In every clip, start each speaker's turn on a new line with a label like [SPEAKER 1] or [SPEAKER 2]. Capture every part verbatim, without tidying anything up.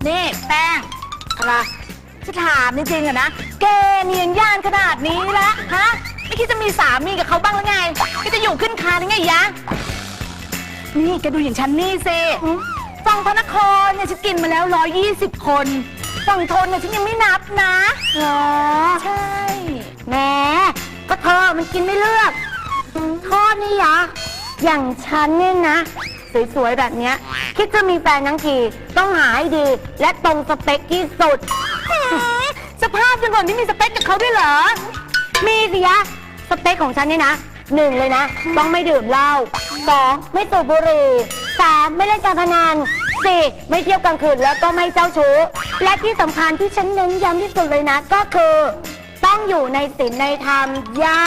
[SPEAKER 1] นี่แป้งอะไรจะถามจริงๆอะนะแกเนียนย่านขนาดนี้แล้วฮะไม่คิดจะมีสามีกับเขาบ้างหรือไงก็จะอยู่ขึ้นคานยังไงยะนี่แกดูอย่างฉันนี่สิฝั่งพระนครเนี่ยฉันกินมาแล้วร้อยยี่สิบคนฝั่งทนเนี่ยฉันยังไม่นับนะเหรอใช่แหมก็เธอมันกินไม่เลือกโทษนี่ยะอย่างฉันเนี่ยนะสวยๆแบบเนี้ยคิดจะมีแฟนทั้งทีต้องหาให้ดีและตรงสเปคที่สุดสภาพจังหวะที่มีสเปคกับเขาด้วยเหรอมีสิยะสเปคของฉันเนี่ยนะหนึ่งเลยนะต้องไม่ดื่มเหล้าสองไม่สูบบุหรี่สามไม่เล่นการพนันสี่ไม่เที่ยวกลางคืนแล้วก็ไม่เจ้าชู้และที่สำคัญที่ฉันเน้นย้ำที่สุดเลยนะก็คือต้องอยู่ในศีลในธรรมย่า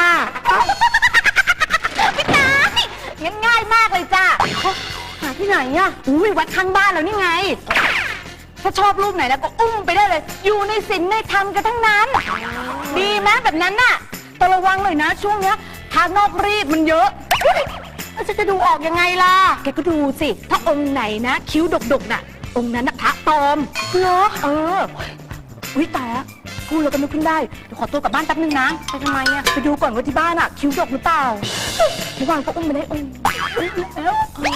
[SPEAKER 1] พี่ตางั้นง่ายมากเลยจ้าหาที่ไหนอ่ะอุ้ยวัดข้างบ้านแล้วนี่ไงถ้าชอบรูปไหนแล้วก็อุ้มไปได้เลยอยู่ในศีลในธรรมกันทั้งนั้นดีไหมแบบนั้นน่ะแต่ระวังหน่อยนะช่วงเนี้ยทางนอกรีดมันเยอะแล้วจะดูออกยังไงล่ะแกก็ดูสิถ้าองค์ไหนนะคิ้วดกๆน่ะองค์นั้นน่ะพระปลอมเหรอเออวิตายพูดแล้วก็นึกขึ้นได้เดี๋ยวขอตัวกลับบ้านแป๊บนึงนะไปทำไมอ่ะไปดูก่อนว่าที่บ้านอ่ะคิ้วดกหรือเปล่าระวังก็อุ้มไปได้องค์แล้ว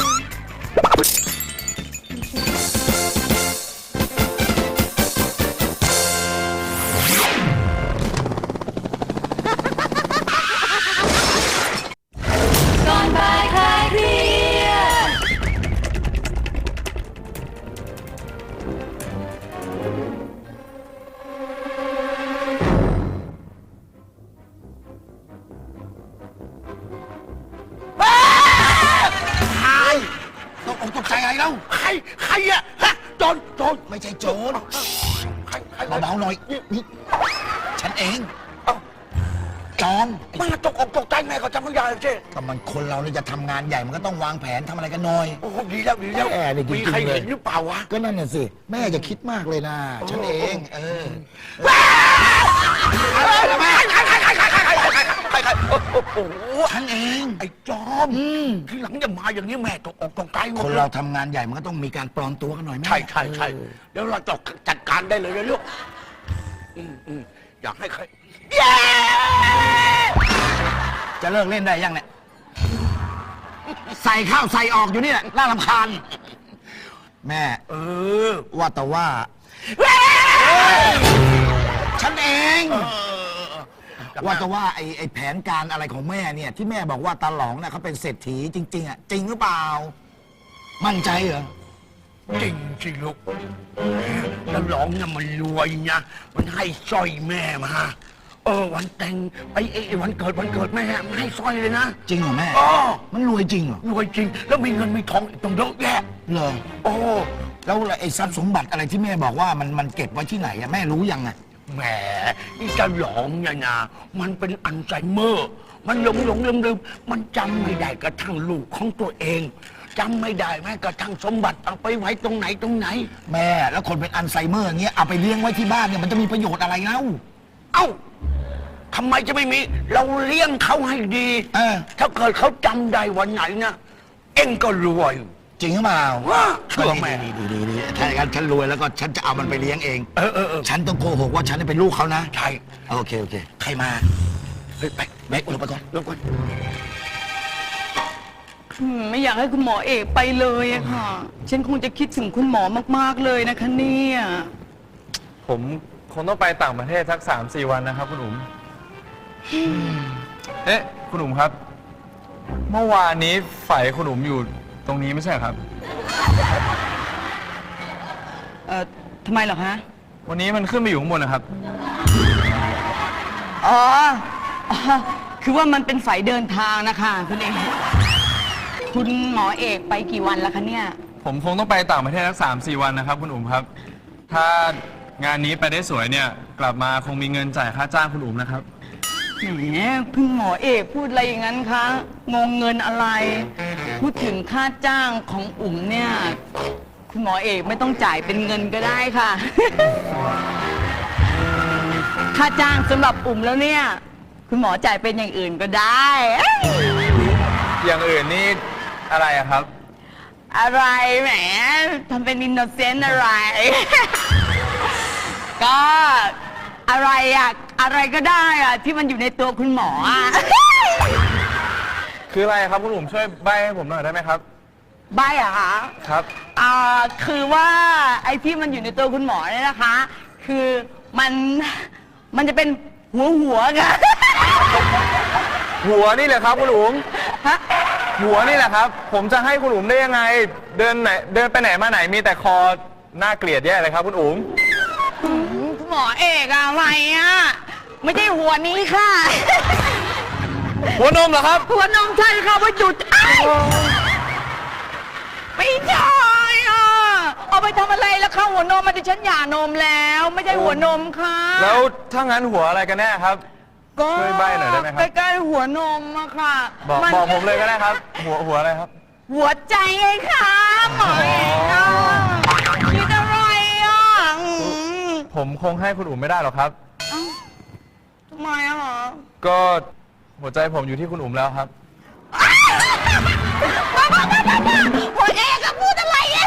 [SPEAKER 2] ตกใจไงเล่าใครใครอะฮะโจรโจรไม่ใช่โจรใครใครเบาๆหน่อยนี่ฉันเองจอมมันตกอกตกใจแม่ก็จำไม่ได้ใช่ก็มันคนเราเนี่ยจะทำงานใหญ่มันก็ต้องวางแผนทำอะไรกันหน่อยโอ้ดีแล้วดีแล้วมีใครเห็นหรือเปล่าวะก็นั่นน่ะสิแม่อย่าคิดมากเลยนะฉันเองเออแม่ใครใครใครใครใครใครใครใครโอ้โหฉันเองไอ้จอมทีหลังจะมาอย่างนี้แม่ตกอกตกใจคนเราทำงานใหญ่มันก็ต้องมีการปลอมตัวกันหน่อยแม่ใช่ใช่ใช่เดี๋ยวเราจะจัดการได้เลยนะลูกอยากให้ใครจะเลิกเล่นได้ยังเนี่ยใส่ข้าวใส่ออกอยู่นี่แหละน่ารำคาญแม่เออว่าแต่ว่าฉันเองว่าแต่ว่าไอ้ไอ้แผนการอะไรของแม่เนี่ยที่แม่บอกว่าตาหลองน่ะเขาเป็นเศรษฐีจริงๆอ่ะจริงหรือเปล่ามั่นใจเหรอจริงสิลูกตาหลองน่ะมันรวยนะมันให้สร้อยแม่มาเออวันแต่งไอ้ไอ้วันเกิดวันเกิดแม่มันให้สร้อยเลยนะจริงเหรอแม่อ๋อมันรวยจริงเหรอรวยจริงแล้วมีเงินมีทองต้องเยอะแยะเหรอโอ้แล้วไอ้ทรัพย์สมบัติอะไรที่แม่บอกว่ามันมันเก็บไว้ที่ไหนอะแม่รู้ยังไงแหมนี่จะหลงเนี่ยนะมันเป็นอัลไซเมอร์มันหลงหลงลืมลืมมันจำไม่ได้กระทั่งลูกของตัวเองจำไม่ได้แม้กระทั่งสมบัติเอาไปไว้ตรงไหนตรงไหนแม่แล้วคนเป็นอัลไซเมอร์อย่างเงี้ยเอาไปเลี้ยงไว้ที่บ้านเนี่ยมันจะมีประโยชน์อะไรเล่าเอ้าทำไมจะไม่มีเราเลี้ยงเขาให้ดีเออถ้าเกิดเขาจำได้วันไหนนะเอ็งก็รวยจริงหรือเปล่าเชื่อแม่ดีดีดีถ้าอย่างนั้นฉันรวยแล้วก็ฉันจะเอามันไปเลี้ยงเองเออเออฉันต้องโกหกว่าฉันเป็นลูกเขานะใช่โอเคโอเคใครมาเฮ้ยไปแม็กลงไปก่อนลงก่อน
[SPEAKER 3] ไม่อยากให้คุณหมอเอกไปเลยอะค่ะฉันคงจะคิดถึงคุณหมอมากๆเลยนะคะเนี่ย
[SPEAKER 4] ผมคงต้องไปต่างประเทศสักสามสี่วันนะครับคุณอุ๋มเอ๊ะคุณอุ๋มครับเมื่อวานนี้ฝ่ายคุณอุ๋มอยู่ตรงนี้ไม่ใช่ครับ
[SPEAKER 3] เอ่อทำไมเหรอคะ
[SPEAKER 4] วันนี้มันขึ้นไปอยู่ข้างบนนะครับ
[SPEAKER 3] อ๋อคือว่ามันเป็นฝ่ายเดินทางนะคะคุณเอกคุณหมอเอกไปกี่วันแล้วคะเนี่ย
[SPEAKER 4] ผมคงต้องไปต่างประเทศสักสามสี่วันนะครับคุณอุ๋มครับถ้างานนี้ไปได้สวยเนี่ยกลับมาคงมีเงินจ่ายค่าจ้างคุณอุ๋มนะครับ
[SPEAKER 3] แหมคุณหมอเอกพูดอะไรอย่างนั้นคะงงเงินอะไรพูดถึงค่าจ้างของอุ๋มเนี่ยคุณหมอเอกไม่ต้องจ่ายเป็นเงินก็ได้ค่ะ ค่าจ้างสำหรับอุ๋มแล้วเนี่ยคุณหมอจ่ายเป็นอย่างอื่นก็ได้
[SPEAKER 4] อย่างอื่นนี่อะไรอะครับ
[SPEAKER 3] อะไรแหมทำเป็นอินโนเซนต์อะไร ก็อะไรอะอะไรก็ได้อะที่มันอยู่ในตัวคุณหมออะ
[SPEAKER 4] คืออะไรครับคุณอุ๋มช่วยใบ้ให้ผมหน่อยได้ไหมครับ
[SPEAKER 3] ใบอะคะ
[SPEAKER 4] ครับ
[SPEAKER 3] อ่าคือว่าไอ้ที่มันอยู่ในตัวคุณหมอเนี่ยนะคะ คือมันมันจะเป็นหัวหัวกัน
[SPEAKER 4] หัวนี่แหละครับคุณอุ๋ม
[SPEAKER 3] ฮะ
[SPEAKER 4] หัวนี่แหละครับ ผมจะให้คุณอุ๋มได้ยังไง เดินไหนเดินไปไหนมาไหนมีแต่คอน่าเกลียดแย่เลยครับคุณอุ๋ม
[SPEAKER 3] คุณหมอเอกอะอะไรอะไม่ใช่หัวนี้ค่ะ
[SPEAKER 4] หัวนมเหรอครับ
[SPEAKER 3] หัวนมใช่ค่ะว่าหยุดอ้ายไม่ใช่อะเอาไปทำอะไรแล้วคะหัวนมมันดิฉันหย่านมแล้ว ไม่ใช่หัวนมค่ะ
[SPEAKER 4] แล้วถ้างั้นหัวอะไรกันแน่ครับ
[SPEAKER 3] ก็
[SPEAKER 4] ช่วยใบ้หน่อยได้ไหมครับ
[SPEAKER 3] ใกล้ๆหัวนมอะค่ะ
[SPEAKER 4] บอก
[SPEAKER 3] น
[SPEAKER 4] บอกผมเลยก็ได้ครับ หัวหัวอะไรครับ
[SPEAKER 3] หัวใจไงคะหมอเอกอะคิดอะไรอะอืม
[SPEAKER 4] ผมคงให้คุณอุ๋มไม่ได้หรอกครับ
[SPEAKER 3] เอ้าทำไมอะหรอ
[SPEAKER 4] ก็หัวใจผมอยู่ที่คุณอุ๋มแล้วครับ
[SPEAKER 3] หัวเอกอะพูดอะไรอะ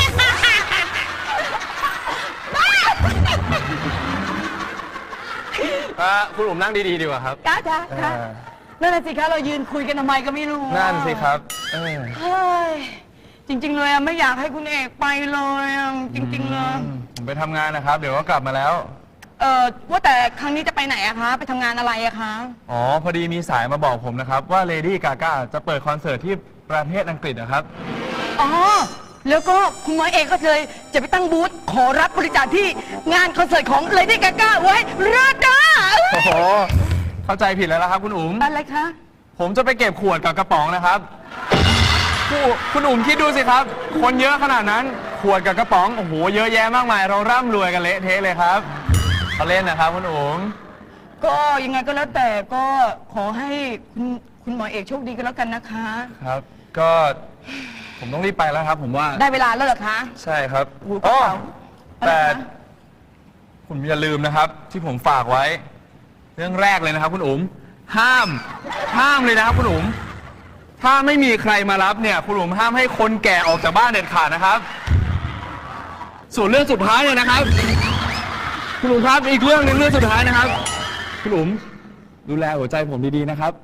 [SPEAKER 4] อ่ะคุณอุ๋มนั่งดีๆดีกว่าครับ
[SPEAKER 3] จ้าจ้าจ้า
[SPEAKER 4] เออ
[SPEAKER 3] นั่นน่ะสิคะเรายืนคุยกันทำไมก็ไม่รู้อะ
[SPEAKER 4] นั่นสิครับเออ
[SPEAKER 3] เฮ้ยจริง ๆ เลยอะไม่อยากให้คุณเอกไปเลยอะจริง ๆ เลย
[SPEAKER 4] ผมไปทำงานนะครับ เดี๋ยวก็กลับมาแล้ว
[SPEAKER 3] เออว่าแต่ครั้งนี้จะไปไหนอะคะไปทำงานอะไรอะคะ
[SPEAKER 4] อ๋อ พอดีมีสายมาบอกผมนะครับ ว่า Lady Gaga จะเปิดคอนเสิร์ตที่ประเทศอังกฤษนะครับ
[SPEAKER 3] อ๋อแล้วก็คุณหมอเอกก็เลยจะไปตั้งบูธขอรับบริจาคที่งานคอนเสิร์ตของ Lady Gaga ไว้ราดา
[SPEAKER 4] โอ้โห เข้าใจผิดแล้วละครับคุณอุ๋ม
[SPEAKER 3] อะไรคะ
[SPEAKER 4] ผมจะไปเก็บขวดกับกระป๋องนะครับคุณคุณอุ๋มคิดดูสิครับ คนเยอะขนาดนั้น ขวดกับกระป๋อง โอ้โห เยอะแยะมากมาย เราร่ำรวยกันเละเทะเลยครับเขาเล่นนะครับคุณอุ๋ม
[SPEAKER 3] ก็ยังไงก็แล้วแต่ก็ขอให้คุณคุณหมอเอกโชคดีกันแล้วกันนะคะ
[SPEAKER 4] ครับ ก็ผมต้องรีบไปแล้วครับ ผมว่า
[SPEAKER 3] ได้เวลาแล้วเหรอคะ
[SPEAKER 4] ใช่ครับ
[SPEAKER 3] หูกระ
[SPEAKER 4] อ๋อ
[SPEAKER 3] เป๋าอะไร
[SPEAKER 4] แต่
[SPEAKER 3] คะ
[SPEAKER 4] คุณอย่าลืมนะครับ ที่ผมฝากไว้ เรื่องแรกเลยนะครับ คุณอุ๋มห้าม ห้ามเลยนะครับคุณอุ๋มถ้าไม่มีใครมารับเนี่ย คุณอุ๋มห้ามให้คนแก่ออกจากบ้านเด็ดขาดนะครับ ส่วนเรื่องสุดท้ายเนี่ยนะครับ คุณอุ๋มครับอีกเรื่องหนึงเรื่องสุดท้ายนะครับ คุณอุ๋มดูแลหัวใจผมดีๆนะครับ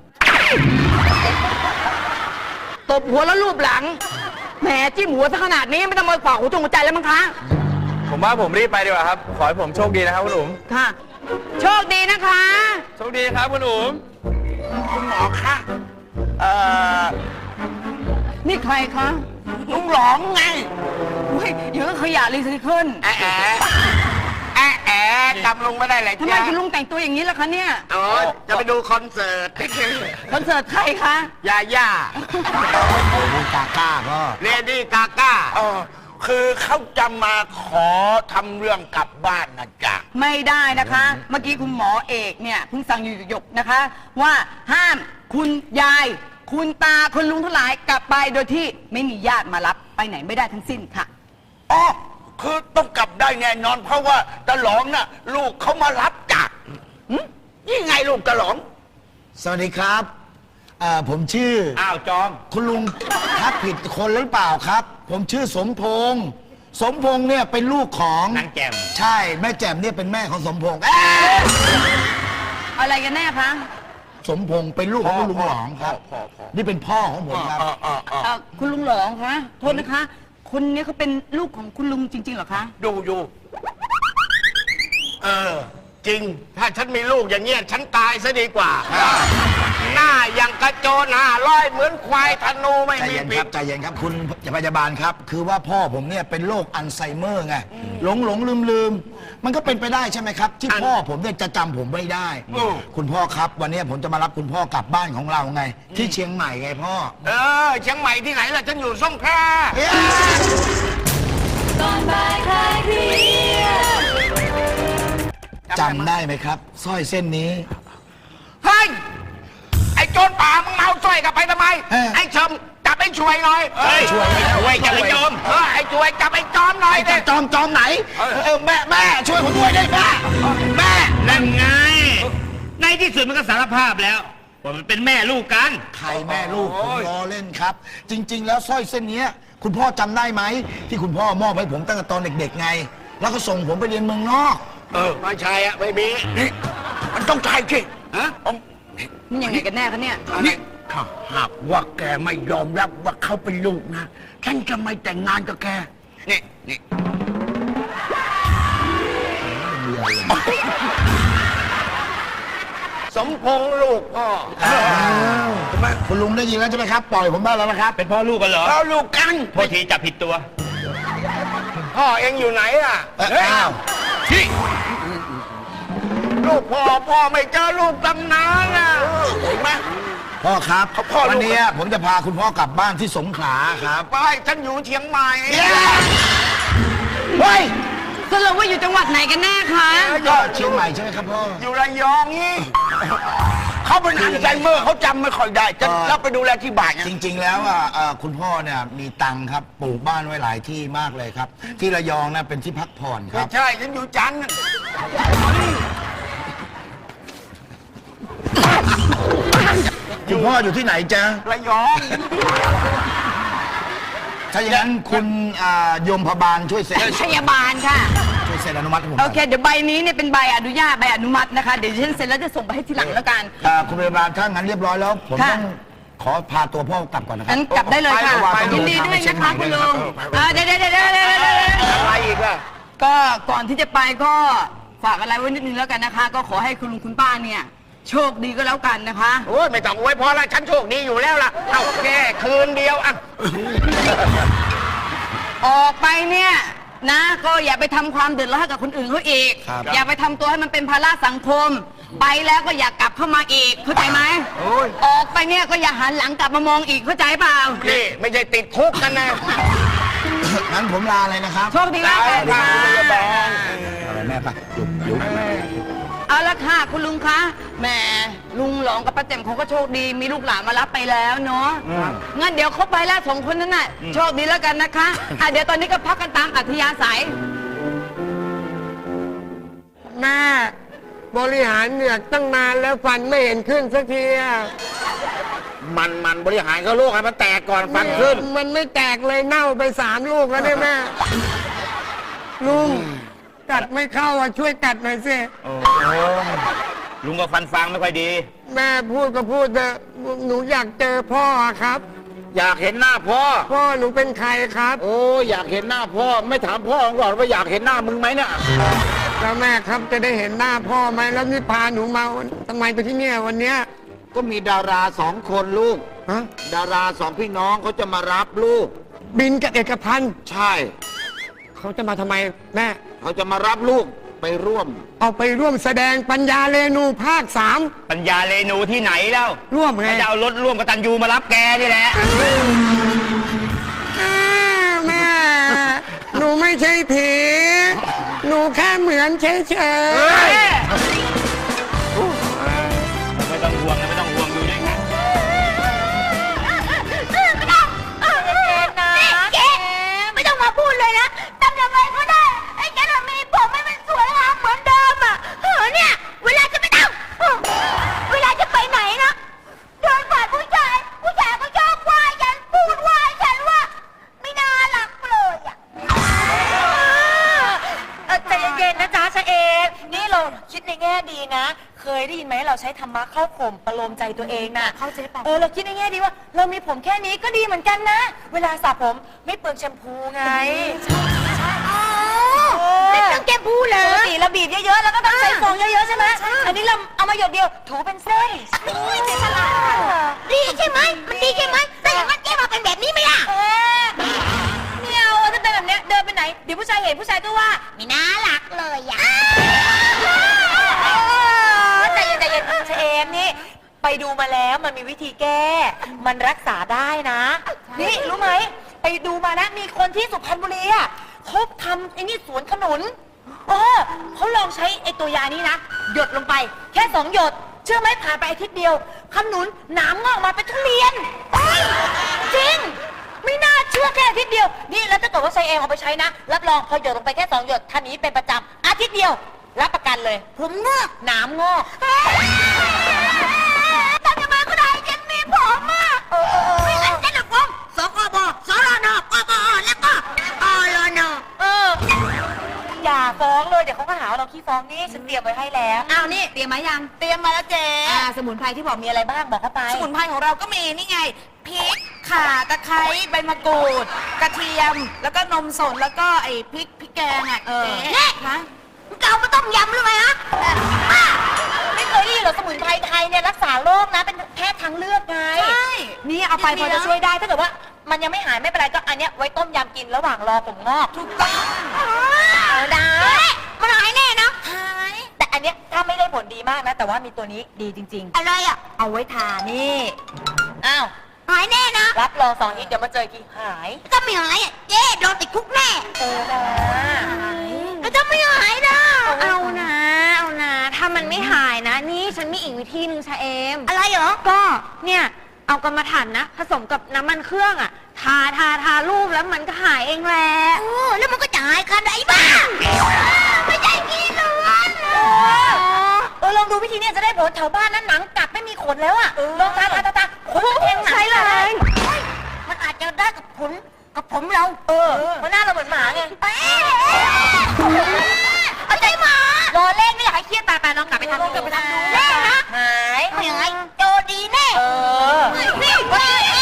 [SPEAKER 3] ตบหัวแล้วรูปหลังแหมจิ้มหัวซะขนาดนี้ไม่ต้องมาฝากหัวจงหัวใจแล้วมั้งคะ
[SPEAKER 4] ผมว่าผมรีบไปดีกว่าครับ ขอให้ผมโชคดีนะครับคุณอุ๋ม
[SPEAKER 3] ค่ะ โชคดีนะคะ
[SPEAKER 4] โชคดีครับคุณอุ๋ม
[SPEAKER 2] คุณหมอคะเอ่อ
[SPEAKER 3] นี่ใครคะ
[SPEAKER 2] ลุงหลองไง
[SPEAKER 3] อุ้ยเยอะขยะรีไซเคิล
[SPEAKER 2] แอะแอะแอะแอะจำลุงไม่ได้เลย
[SPEAKER 3] ทำไม
[SPEAKER 2] จ้ะ
[SPEAKER 3] คุณลุงแต่งตัวอย่างนี้ล่ะคะเนี่ย
[SPEAKER 2] อ๋อจะไปดูคอนเสิร์ต
[SPEAKER 3] คอนเสิร์ตใครคะ
[SPEAKER 2] ยาย่าลูกาก้าก็เลดี้กาก้าเออคือเขาจะมาขอทำเรื่องกลับบ้านนะจ๊ะ
[SPEAKER 3] ไม่ได้นะคะ เมื่อกี้คุณหมอเอกเนี่ยเพิ่งสั่งอยู่หยกๆนะคะ ว่าห้ามคุณยาย คุณตาคุณลุงทั้งหลายกลับไปโดยที่ไม่มีญาติมารับไปไหนไม่ได้ทั้งสิ้นค่ะ
[SPEAKER 2] อ๋อ คือต้องกลับได้แน่นอน เพราะว่าตะหลองน่ะ ลูกเขามารับจากหึนี่ไงลูกตะหลอง
[SPEAKER 5] สวัสดีครับเอ่อผมชื่อ
[SPEAKER 2] อ้าวจอม
[SPEAKER 5] คุณลุงทักผิดคนหรือเปล่าครับ ผมชื่อสมพงษ์สมพงษ์เนี่ยเป็นลูกของ
[SPEAKER 2] นางแจ่ม
[SPEAKER 5] ใช่แม่แจ่มเนี่ยเป็นแม่ของสมพงษ์เอ๊ะ
[SPEAKER 3] อะไรกันแน่คะ
[SPEAKER 5] สมพงษ์เป็นลูกของคุณลุงหลองครับ
[SPEAKER 2] พ่อพ่อ
[SPEAKER 5] นี่เป็นพ่อของผมครับ
[SPEAKER 2] อ๋ออ๋ออ๋อ
[SPEAKER 3] เอ่อคุณลุงหลองคะโทษนะคะ คนนี้เขาเป็นลูกของคุณลุงจริงๆเหรอคะ
[SPEAKER 2] ดูอยู่เออ จริง ถ้าฉันมีลูกอย่างเงี้ย ฉันตายซะดีกว่า หน้าอย่างกระโจนหน้าร้อยเหมือนควายธนูไม่
[SPEAKER 5] ใจ
[SPEAKER 2] มี
[SPEAKER 5] เย็น
[SPEAKER 2] ปี
[SPEAKER 5] ครั
[SPEAKER 2] ก
[SPEAKER 5] บใจเย็นครับคุณพยาบาลครับ คือว่าพ่อผมเนี่ยเป็นโรคอัลไซเมอร์ไงหลงหลงลืมลืมมันก็เป็นไปได้ใช่ไหมครับ ที่พ่อผมเนี่ยจะจำผมไม่ได้ คุณพ่อครับ วันนี้ผมจะมารับคุณพ่อกลับบ้านของเราไง ที่เชียงใหม่ไงพ่อ
[SPEAKER 2] เออเชียงใหม่ที่ไหนล่ะ ฉันอยู่สงขลา
[SPEAKER 5] จำได้ไหมครับสร้อยเส้นนี้
[SPEAKER 2] เฮ้ย ไอ้โจรป่ามึงเมาสร้อยกลับไปทำไม
[SPEAKER 5] เออ
[SPEAKER 2] ไอ้ชมจับไอ้ช่วยหน่อยเฮ้ยช่วยช่วยจับไอ้โจมเออไอ้ช่วยจับไอ้จอมหน่อย
[SPEAKER 5] ไอ้
[SPEAKER 2] ดิ
[SPEAKER 5] จอมจอมไหนเออแม่แม่ช่วยผมด้วยได้แม่แม่
[SPEAKER 6] นั่นไง ในที่สุดมันก็สารภาพแล้ว ว่ามันเป็นแม่ลูกกัน
[SPEAKER 5] ใครแม่ลูกผมล้อเล่นครับ จริง ๆ แล้วสร้อยเส้นเนี้ยคุณพ่อจำได้ไหมที่คุณพ่อมอบให้ผมตั้งแต่ตอนเด็กๆไง แล้วก็ส่งผมไปเรียนเมืองนอก
[SPEAKER 6] เออไม่ใช่อะไม่มีนี่มันต้องใช่สิฮะต้อง
[SPEAKER 3] มันยังไงกันแน่คะเนี่ย
[SPEAKER 6] นี่ถ้าหากว่าแกไม่ยอมรับว่าเขาเป็นลูกนะฉันจะไม่แต่งงานกับแกนี่นี่ สมพงษ์ลูกพ่อ
[SPEAKER 5] คุณลุงได้ยินแล้วใช่ไหมครับ ปล่อยผมได้แล้วนะครับ
[SPEAKER 6] เป็นพ่อลูกกันเหรอพ่อลูกกันโทษทีจับผิดตัว พ่อเองอยู่ไหนอ่ะ
[SPEAKER 5] เอ้ยอ้าว
[SPEAKER 6] ที่ลูกพ่อพ่อไม่เจอลูกตั้งนานอ่ะเห็นไหม
[SPEAKER 5] พ่อครับ
[SPEAKER 6] เขาพ่อลูก
[SPEAKER 5] วันนี้ผมจะพาคุณพ่อกลับบ้านที่สงขลาครับ
[SPEAKER 6] ไปฉันอยู่เชียงใหม่
[SPEAKER 5] เฮ้ย
[SPEAKER 3] สรุปว่าอยู่จังหวัดไหนกันแน่คะ
[SPEAKER 5] ก็เชียงใหม่ใช่ไหมครับพ่อ
[SPEAKER 6] อยู่ระยองนี่เขาเป็นอัลไซเมอร์เขาจำไม่ค่อยได้จะ
[SPEAKER 5] เออ
[SPEAKER 6] รับไปดูแลที่บ้านไง
[SPEAKER 5] จริงๆ แล้วอ่ะเอ่อคุณพ่อเนี่ยมีตังค์ครับปลูกบ้านไว้หลายที่มากเลยครับ ที่ระยองนะเป็นที่พักผ่อนค
[SPEAKER 6] ไม่
[SPEAKER 5] รับ
[SPEAKER 6] ใช่ฉันอยู่จันทร์
[SPEAKER 5] คุณพ่ออยู่ที่ไหนจ๊ะ
[SPEAKER 6] ระยอง
[SPEAKER 5] ถ้าอย่างนั้นคุณอ่ายมพบาลช่วยเซ็น
[SPEAKER 3] พยาบาลค่ะ
[SPEAKER 5] ช่วยเซ็นอนุมัติให้ผมห
[SPEAKER 3] โอ
[SPEAKER 5] น่อย
[SPEAKER 3] เค เดี๋ยวใบนี้เนี่ยเป็นใบอนุญาตใบอนุมัตินะคะ เดี๋ยวฉันเซ็นแล้วจะส่งไปให้ทีหลังแล้วกัน
[SPEAKER 5] อ่าคุณพยาบาลถ้างั้นเรียบร้อยแล้ว ผม
[SPEAKER 3] ค่ะ
[SPEAKER 5] ต้องขอพาตัวพ่อกลับก่อนนะครับ
[SPEAKER 3] งั้นกลับได้เลยค่ะ
[SPEAKER 5] พราว่าต้อง
[SPEAKER 3] ยิน
[SPEAKER 5] เดิ
[SPEAKER 3] ดี
[SPEAKER 5] ทาง
[SPEAKER 3] ด้
[SPEAKER 5] ไป
[SPEAKER 3] วย
[SPEAKER 5] เชีย
[SPEAKER 3] นะ
[SPEAKER 5] งให
[SPEAKER 3] คะ
[SPEAKER 5] ม่
[SPEAKER 3] คุณ
[SPEAKER 5] ด้วย
[SPEAKER 3] ลุ
[SPEAKER 5] นะ
[SPEAKER 3] ง
[SPEAKER 5] ครับ
[SPEAKER 3] เออเดี๋ยวเดี๋ยวเดี๋ยวเดี๋ยวเดี๋ยวเดี๋ยว
[SPEAKER 6] อะไรอีกอะ
[SPEAKER 3] ก็ก่อนที่จะไปก็ฝากอะไรไว้นิดนึงแล้วกันนะคะ ก็ขอให้คุณลุงคุณป้าเนี่ย โชคดีก็แล้วกันนะคะ
[SPEAKER 6] โอ้ยไม่ต้องอวยพรละฉันโชคดีอยู่แล้วล่ะ เอาแค่คืนเดียวอ่ะ
[SPEAKER 3] ออกไปเนี่ยนะ ก็อย่าไปทำความเดือดร้อนให้กับคนอื่นเขาอีก
[SPEAKER 5] ครับ
[SPEAKER 3] อย่าไปทำตัวให้มันเป็นภาระสังคม ไปแล้วก็อย่ากลับเข้ามาอีกเข้าใจไหมออกไปเนี่ยก็อย่าหันหลังกลับมามองอีกเข้าใจเปล่า
[SPEAKER 6] นี่ไม่ใช่ติดคุกกันนะ
[SPEAKER 5] งั้นผมลาเลยนะครับ
[SPEAKER 3] โชคดีแล้วกันค่ะ
[SPEAKER 5] อะไรแม่ปะยุบยุบ
[SPEAKER 3] เอาละค่ะคุณลุงคะแหมลุงหลองกับป้าแจ่มเขาก็โชคดีมีลูกหลานมารับไปแล้วเนาะงั้นเดี๋ยวเขาไปแล้วสองคนนั้นน่ะโชคดีแล้วกันนะคะอ่ะเดี๋ยวตอนนี้ก็พักกันตามอัธยาศัย
[SPEAKER 7] แม่บริหารเหนือกตั้งนานแล้วฟันไม่เห็นขึ้นสักทีอะ
[SPEAKER 6] มันมันบริหารเขาลูกให้มันแตกก่อนฟันขึ้น
[SPEAKER 7] มันไม่แตกเลยเน่าไปสามลูกแล้วเนี่ยแม่ลุงกัดไม่เข้าอ่ะช่วยกัดหน่อยสิ
[SPEAKER 6] ลุงก็ฟันฟางไม่ค่อยดี
[SPEAKER 7] แม่พูดก็พูดเถอะหนูอยากเจอพ่อครับ
[SPEAKER 6] อยากเห็นหน้าพ่อ
[SPEAKER 7] พ่อหนูเป็นใครครับ
[SPEAKER 6] โอ้อยากเห็นหน้าพ่อ ไม่ถามพ่อก่อนว่าอยากเห็นหน้ามึงไหมเนี่ย
[SPEAKER 7] แล้วแม่ครับจะได้เห็นหน้าพ่อไหมแล้วนี่พาหนูมาทำไมไปที่เนี่ยวันเนี้ย
[SPEAKER 6] ก็มีดาราสองคนลูก
[SPEAKER 7] ฮะ
[SPEAKER 6] ดาราสองพี่น้องเขาจะมารับลูก
[SPEAKER 7] บินกับเอกพันธ์
[SPEAKER 6] ใช่
[SPEAKER 7] เขาจะมาทำไมแม่
[SPEAKER 6] เขาจะมารับลูกไปร่วม
[SPEAKER 7] เอาไปร่วมแสดงปัญญาเรนูภาคสาม
[SPEAKER 6] ปัญญาเรนูที่ไหนแล้ว
[SPEAKER 7] ร่วมไง
[SPEAKER 6] จะเอารถร่วมกับตันยูมารับแกนี่แหละ
[SPEAKER 7] อ้าวแม่ หนูไม่ใช่ผี หนูแค่เหมือนเฉย
[SPEAKER 6] ไม่ต้องห่วงนะไม่ต้องห่วงอยู่ด้วยกัน
[SPEAKER 1] เจ๊ไม่ต้องมาพูดเลยนะทำยังไงก็ได้ไอ้แกน่ะมีผมให้มันสวยงามเหมือนเดิมอ่ะเออเนี่ย เวลาจะไปทำเวลาจะไปไหนนะเดินผ่านผู้ชายผู้ชายก็ชอบว่าฉันพูดว่าฉันว่าไม่น่ารักเลยอ่ะเออใจเย็นๆนะจ๊ะชะเอมนี่เราคิดในแง่ดีนะ เคยได้ยินไหมเราใช้ธรรมะเข้าข่มประโลมใจตัวเองน่ะเข้าใจป่ะเออเราคิดในแง่ดีว่า เรามีผมแค่นี้ก็ดีเหมือนกันนะ เวลาสระผมไม่เปลืองแชมพูไงใช่ใช่อ๋อไม่เปลืองแชมพูเลยปกติเราบีบเยอะๆแล้วก็ต้องใส่ฟองเยอะๆใช่ไหมอันนี้เราเอามาหยดเดียวถูเป็นเส้นเจ๊ฉลาดดีใช่ไหมมันดีใช่ไหมแต่อย่างนั้นเจ๊มาเป็นแบบนี้ไหมล่ะไม่เอาถ้าเป็นแบบเนี้ยเดินไปไหนเดี๋ยวผู้ชายเห็นผู้ชายก็ว่าไม่น่ารักเลยอ่ะใจเย็นใจเย็นเชมนี่ไปดูมาแล้วมันมีวิธีแก้ มันรักษาได้นะ นี่รู้ไหมไปดูมาแล้วมีคนที่สุพรรณบุรีอ่ะเขาทำไอ้นี่สวนขนุนเออเขาลองใช้ไอ้ตัวยานี้นะหยดลงไป แค่สองหยด เชื่อไหมผ่านไปอาทิตย์เดียวขนุนหนามงอกมาเป็นทุเรียนเฮ้ยจริง ไม่น่าเชื่อแค่อาทิตย์เดียวนี่แล้วถ้าเกิดว่าใช้เองเอาไปใช้นะรับรองพอหยดลงไปแค่สองหยดท่านี้เป็นประจำอาทิตย์เดียวรับประกันเลยผมงอกหนามงอกทำยังไงก็ได้ฉันมีผมอ่ะไม่งั้นฉันจะฟ้องสคบสรนกบอย่าฟ้องเลยเดี๋ยวเขาก็หาว่าเราขี้ฟ้องนี่ฉันเตรียมไว้ให้แล้วอ้าวนี่เตรียมมายังเตรียมมาแล้วเจ๊อ่าสมุนไพรที่บอกมีอะไรบ้างบอกเข้าไปสมุนไพรของเราก็มีนี่ไงพริกข่าตะไคร้ใบมะกรูด กระเทียมแล้วก็นมสดแล้วก็ไอ้พริกพริกแกงอ่ะเจ๊ฮะมึงเกามาต้มยำหรือไงฮะไม่เคยได้ยินเหรอสมุนไพรไทยเนี่ยรักษาโรคนะเป็นแพทย์ทางเลือกไงใช่นี่เอาไปพอจะช่วยได้ถ้าเกิดว่ามันยังไม่หายไม่เป็นไรก็อันเนี้ยไว้ต้มยำกินระหว่างรอผมงอกถูกต้องได้มันหายแน่นะหายแต่อันเนี้ยถ้าไม่ได้ผลดีมากนะแต่ว่ามีตัวนี้ดีจริงๆอะไรอ่ะเอาไว้ทานี่อ้าวหายแน่นะรับรองสองอีกเดี๋ยวมาเจอกี่หายก็ไม่หายอ่ะเจ๊โดนติดคุกแน่เออนะก็จะไม่หายนะเอานะเอานะถ้ามันไม่หายนะนี่ฉันมีอีกวิธีนึงชาเอมอะไรเหรอก็เนี่ยเอากรรมฐานนะผสมกับน้ำมันเครื่องอ่ะทาทาทารูปแล้วมันก็หายเองแหละโอ้แล้วมันก็จะหายขนาดไหนบ้างไม่ใช่กินเลยเออลองดูวิธีนี้จะได้ผลแถวบ้านนั้นหนังกัดไม่มีขนแล้วอ่ะลองทาทาทาทาขนแทงหนังใช่เลยมันอาจจะได้กับขนกับผมเราเออเพราะหน้าเราเหมือนหมาไงเอาใจหมารอเล่นไม่อยากให้เครียดตายไปลองกลับไปทำดูกลับไปทำดูแน่นะหายไม่หายโจดีแน่เออนี่เฮ้ย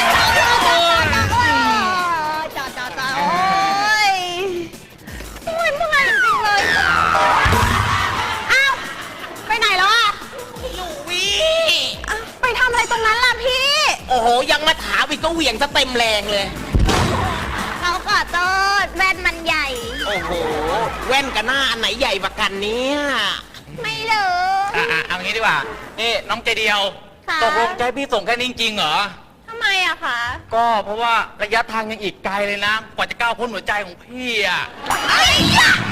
[SPEAKER 1] จ้าจ้าจ้าโอ้ยโอ้ยเมื่อยจริงเลยอ้าวไปไหนแล้วอ่ะ
[SPEAKER 8] อยู่วิ
[SPEAKER 1] ไปทำอะไรตรงนั้นล่ะพี่
[SPEAKER 8] โอ้โห ยังมาถามอีกก็เหวี่ยงซะเต็มแรงเลย
[SPEAKER 1] เขาขอโทษแว่นมันใหญ่
[SPEAKER 8] โอ้โห แว่นกับหน้าอันไหนใหญ่กว่ากันเนี่ย
[SPEAKER 1] ไม่รู้
[SPEAKER 4] อ่ะๆเอางี้ดีกว่า นี่น้องใจเดียว
[SPEAKER 1] ค่ะ
[SPEAKER 4] ตกลงจะให้พี่ส่งแค่นี้จริงๆเหรอ
[SPEAKER 1] ทำไมอะคะ
[SPEAKER 4] ก็เพราะว่าระยะทางยังอีกไกลเลยนะ กว่าจะก้าวพ้นหัวใจของพี่อ่ะ
[SPEAKER 1] ไอ้ยะ